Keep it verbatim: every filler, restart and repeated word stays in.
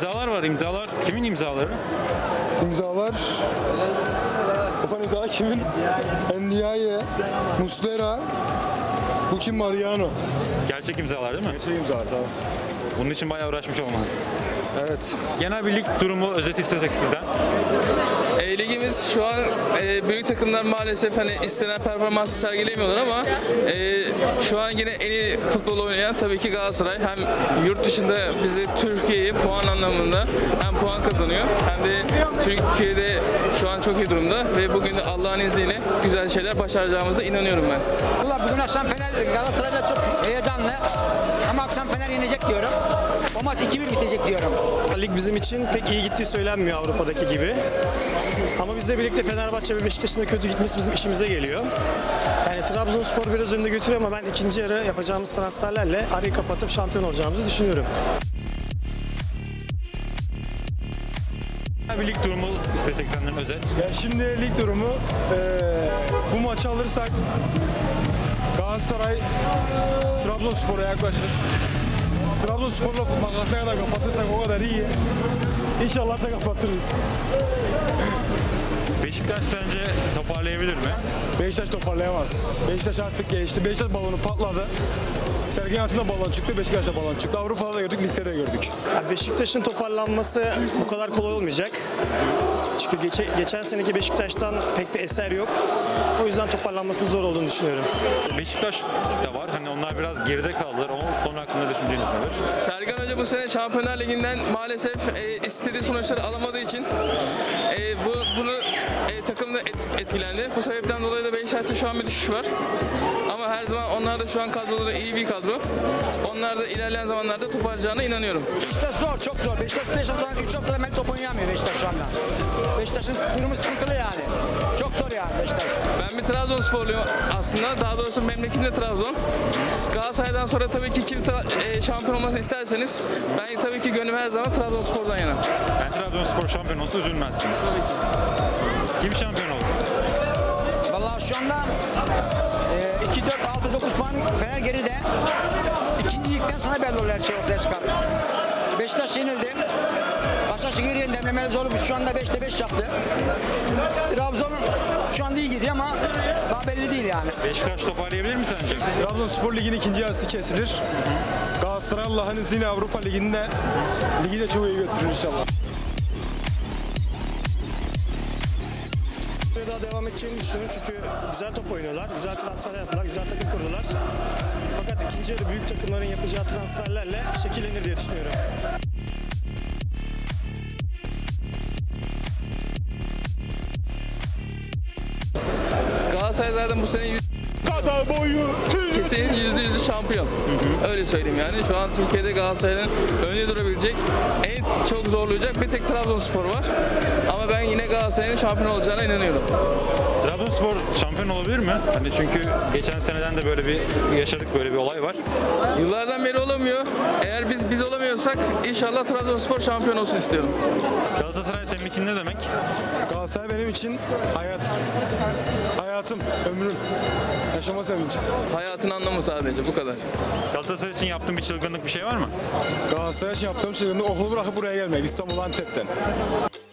İmzalar var, imzalar. Kimin imzaları? İmzalar. Yapan imzalar kimin? Ndiaye, Muslera. Bu kim? Mariano. Gerçek imzalar değil mi? Gerçek imzalar tamam. Bunun için bayağı uğraşmış olmaz. Evet. Genel bir lig durumu özeti istesek sizden. E, ligimiz şu an e, büyük takımlar maalesef hani istenen performansı sergilemiyorlar ama e, şu an yine en iyi futbol oynayan tabii ki Galatasaray. Hem yurt dışında bizi Türkiye'yi puan anlamında hem puan kazanıyor hem de Türkiye'de şu an çok iyi durumda ve bugün de Allah'ın izniyle güzel şeyler başaracağımıza inanıyorum ben. Valla bugün akşam Fener Galatasaray'la çok heyecanlı ama akşam Fener yenecek diyorum. O maç iki bir bitecek diyorum. Lig bizim için pek iyi gittiği söylenmiyor Avrupa'daki gibi. Ama bizle birlikte Fenerbahçe ve Beşiktaş'ın da kötü gitmesi bizim işimize geliyor. Yani Trabzonspor biraz önde götürüyor ama ben ikinci yarı yapacağımız transferlerle arayı kapatıp şampiyon olacağımızı düşünüyorum. Genel bir lig durumu istesek senden özet. Ya şimdi lig durumu eee, bu maçı alırsak Galatasaray Trabzonspor'a yaklaşır. Trabzonspor'la makası ne kadar kapatırsak o kadar iyi. İnşallah da kapatırız. Beşiktaş sence toparlayabilir mi? Beşiktaş toparlayamaz. Beşiktaş artık geçti. Beşiktaş balonu patladı. Sergen Yalçın'da balon çıktı, Beşiktaş'ta balon çıktı. Avrupa'da da gördük, ligde de gördük. Yani Beşiktaş'ın toparlanması bu kadar kolay olmayacak. Çünkü geçe, geçen seneki Beşiktaş'tan pek bir eser yok. O yüzden toparlanmasının zor olduğunu düşünüyorum. Beşiktaş da var. Hani onlar biraz geride kaldılar. O konu hakkında düşünceniz nedir? Sergen Hoca bu sene Şampiyonlar Ligi'nden maalesef e, istediği sonuçları alamadığı için e, bu bunu e, takımda et, etkilendi. Bu sebepten dolayı da Beşiktaş'ta şu an bir düşüş var. Ama her zaman onlar da şu an kadroları iyi bir kadro. Onlar da ilerleyen zamanlarda toparlayacağına inanıyorum. Beşiktaş zor, çok zor. Beşiktaş beş haftadan üç haftadan beri top oynayamıyor Beşiktaş şu anda. Beşiktaş'ın durumu sıkıntılı yani. Çok zor yani Beşiktaş. Ben bir Trabzonsporluyum aslında. Daha doğrusu memleketim de Trabzon. Galatasaray'dan sonra tabii ki kim tra- e, şampiyon olmasını isterseniz ben tabii ki gönlüm her zaman Trabzonspor'dan yana. Ben Trabzonspor şampiyon olsa üzülmezsiniz. Kim şampiyon oldu? Vallahi şu anda e, iki, dört, altı, dokuz puan Fener geride. İkinci ligden sonra belli olur her şey ortaya çıkar. Beşiktaş yenildi. Başakşehir yendi. Demlemeli zor. Şu anda beşte beş yaptı. Trabzon şu anda iyi gidiyor ama daha belli değil yani. Beşiktaş toparlayabilir mi sence? Trabzonspor Ligi'nin ikinci yarısı kesilir. Galatasaray Allah'ın izniyle Avrupa Ligi'nde ligi de çok iyi götürür inşallah. Daha devam edeceğini düşünüyorum çünkü güzel top oynuyorlar, güzel transferler yaptılar, güzel takım kurdular. Fakat ikinci yarı büyük takımların yapacağı transferlerle şekillenir diye düşünüyorum. Galatasaray zaten bu sene yüz- kesin yüzde yüzü şampiyon. Öyle söyleyeyim yani. Şu an Türkiye'de Galatasaray'ın önde durabilecek, en çok zorlayacak bir tek Trabzonspor var. Ama ben yine Galatasaray'ın şampiyon olacağına inanıyorum. Trabzonspor şampiyon olabilir mi? Hani çünkü geçen seneden de böyle bir yaşadık, böyle bir olay var. Yıllardan beri olamıyor. Eğer biz biz olamıyorsak inşallah Trabzonspor şampiyon olsun istiyorum. Galatasaray senin için ne demek? Galatasaray benim için hayat. Hayatım, ömrüm. Yaşama sevincim. Hayatın anlamı sadece bu kadar. Galatasaray için yaptığın bir çılgınlık bir şey var mı? Galatasaray için yaptığım şey okulu bırakıp buraya gelmek. İstanbul Antep'ten.